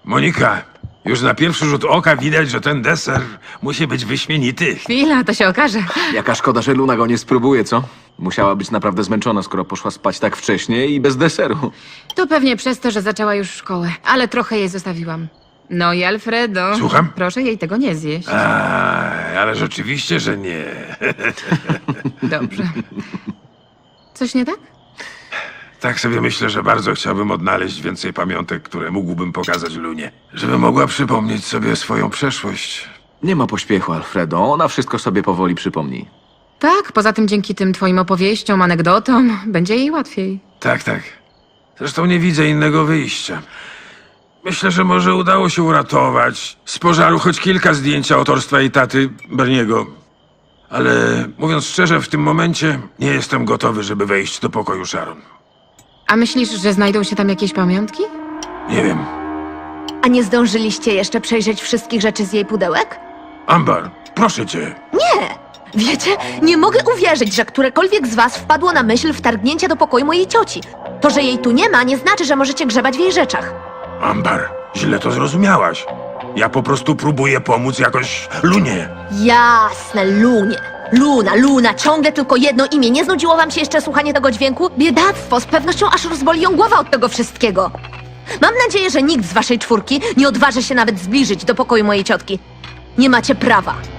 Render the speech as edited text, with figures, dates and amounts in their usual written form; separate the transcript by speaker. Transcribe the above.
Speaker 1: Monika, już na pierwszy rzut oka widać, że ten deser musi być wyśmienity.
Speaker 2: Chwila, to się okaże.
Speaker 3: Jaka szkoda, że Luna go nie spróbuje, co? Musiała być naprawdę zmęczona, skoro poszła spać tak wcześnie i bez deseru.
Speaker 2: To pewnie przez to, że zaczęła już szkołę, ale trochę jej zostawiłam. No i Alfredo.
Speaker 1: Słucham?
Speaker 2: Proszę jej tego nie zjeść.
Speaker 1: Ale rzeczywiście, że nie.
Speaker 2: Dobrze. Coś nie tak?
Speaker 1: Tak sobie myślę, że bardzo chciałbym odnaleźć więcej pamiątek, które mógłbym pokazać Lunie. Żeby mogła przypomnieć sobie swoją przeszłość.
Speaker 3: Nie ma pośpiechu, Alfredo. Ona wszystko sobie powoli przypomni.
Speaker 2: Tak, poza tym dzięki tym twoim opowieściom, anegdotom, będzie jej łatwiej.
Speaker 1: Tak, tak. Zresztą nie widzę innego wyjścia. Myślę, że może udało się uratować z pożaru choć kilka zdjęć autorstwa jej taty, Berniego. Ale mówiąc szczerze, w tym momencie nie jestem gotowy, żeby wejść do pokoju Sharon.
Speaker 2: A myślisz, że znajdą się tam jakieś pamiątki?
Speaker 1: Nie wiem.
Speaker 4: A nie zdążyliście jeszcze przejrzeć wszystkich rzeczy z jej pudełek?
Speaker 1: Amber, proszę cię.
Speaker 4: Nie! Wiecie, nie mogę uwierzyć, że którekolwiek z was wpadło na myśl wtargnięcia do pokoju mojej cioci. To, że jej tu nie ma, nie znaczy, że możecie grzebać w jej rzeczach.
Speaker 1: Amber, źle to zrozumiałaś. Ja po prostu próbuję pomóc jakoś Lunie.
Speaker 4: Jasne, Lunie. Luna, ciągle tylko jedno imię. Nie znudziło wam się jeszcze słuchanie tego dźwięku? Biedactwo, z pewnością aż rozboli ją głowa od tego wszystkiego. Mam nadzieję, że nikt z waszej czwórki nie odważy się nawet zbliżyć do pokoju mojej ciotki. Nie macie prawa.